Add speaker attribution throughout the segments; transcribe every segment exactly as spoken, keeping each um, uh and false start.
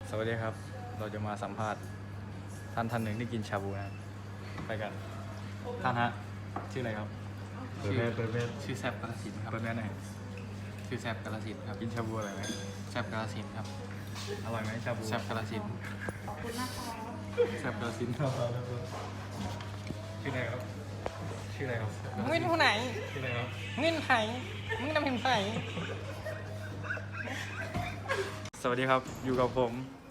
Speaker 1: สวัสดีครับเราจะมาสัมภาษณ์ท่านท่านหนึ่งที่กินชาบูนะครับไปกันท่านฮะชื่ออะไรครับ
Speaker 2: เปิดแมสเปิดแมส
Speaker 3: ชื่อแซบกาลสินธุ์ครับ
Speaker 1: เปิดแม่หน่อย
Speaker 3: ชื่อแซบกาลสินธุ์ครับ
Speaker 1: กินชาบูอะไรไหม
Speaker 3: แซบกาลสินธุ์ครับ
Speaker 1: อร่อยไหมชาบู
Speaker 3: แซบกาลสินธุ์แซบกาลสินธุ์
Speaker 1: ชื่ออะไรครับชื่ออะไรครับ
Speaker 4: มึงเป็นผู้ไหน
Speaker 1: ชื่ออะไรครับ
Speaker 4: มึงเป็นไผ่มึงนำเห็นไผ่
Speaker 1: สวัสดีครับอยู่กับผม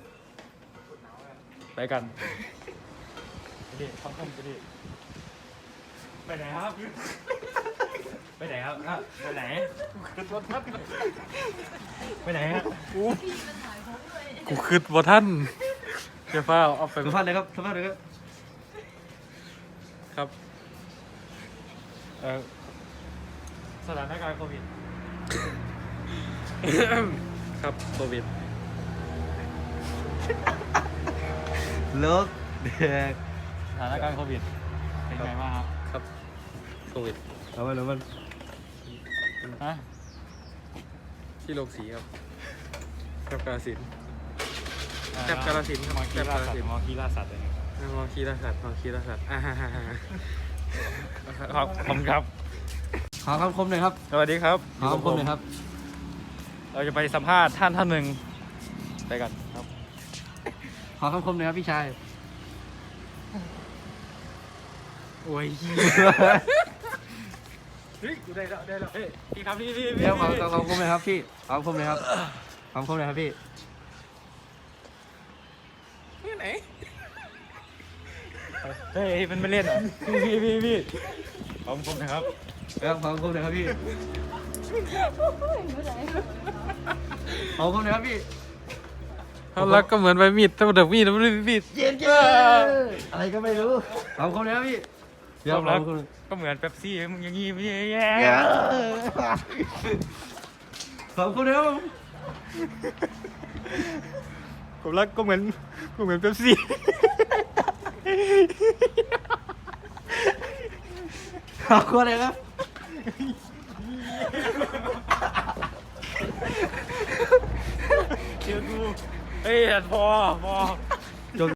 Speaker 1: ไปกันไปดิท้องคำไปดิไปไหนครับไปไหนครับอ่ะไปไหนไปไหนฮะกูกูคืดบ่ท่านเจ้าฟ้าเอาไป
Speaker 2: สัมภาษณ์เลยครับสัมภาษณ์เลยครับ
Speaker 1: ครับเอ่อสถานการณ์โควิด ครับโควิด
Speaker 2: เลิกเด็ก
Speaker 1: สถานการณ์โควิดเป็นไงบ้างครับครับโควิด
Speaker 2: เอาไปแล้วมัน
Speaker 1: ฮะที่โรงสีครับครับกาฬสินธุ์แซบกาฬสินธุ์ครับ
Speaker 5: มอ
Speaker 1: แซ
Speaker 5: คี
Speaker 1: บ
Speaker 5: ล่าก
Speaker 1: าฬ
Speaker 5: สัต
Speaker 1: สิน
Speaker 5: ว์
Speaker 1: ธุ์
Speaker 5: มอคีล่าสัตว์อะไรเงี้ย
Speaker 1: มอคีราสัตว์มอคีราสัตว์อ่าฮ่าฮ่าฮ่า
Speaker 5: ครับผมครับ
Speaker 2: ขอคำคมหน่อยครับ
Speaker 1: สวัสดีครับ
Speaker 2: ขอคำคมหน่อยครับ
Speaker 1: เราจะไปสัมภาษณ์ท่านท่านหนึ่งไปกันครับ
Speaker 2: ขอคำคมหน่อยครับพี่ชาย
Speaker 1: โอ้ยเฮ้ยกูได้แล้วได้แล้วเฮ้ยพี่ครับพี่พี่พี่
Speaker 2: เดี๋ยวขอขอคำคมหน่อยครับพี่ขอคำคมหน่อยครับขอคำคมหน่อยครับพี่
Speaker 4: ที่ไหน
Speaker 1: เฮ้ยมันไม่เล่นเหรอพี่พี่พี่พี่ขอบคุณนะครับ
Speaker 2: เดี๋ยวขอคำคมหน่อยครับพี่ขอคำคมหน่อยครับพี่
Speaker 1: เขารักก็เหมือนใบมีดแต่เดี๋ยวมีดมันไม่มีด
Speaker 2: เย็นเย็อะไรก็ไม่รู้ขอคำคมหน่อยครับพี่เดี๋ยว
Speaker 1: ความ
Speaker 2: ขอ
Speaker 1: รัก
Speaker 2: คำคมหน่อย
Speaker 1: ก็เหมือนเป๊ปซี่มึงอย่างงี้ไม่แย่
Speaker 2: ขอคำคมหน่อยครับผม
Speaker 1: ความรักก็เหมือนก็เหมือนเป๊ปซี่
Speaker 2: ขอบคุณเลยครับ
Speaker 1: เชื่อกูเฮ้ยพอพอ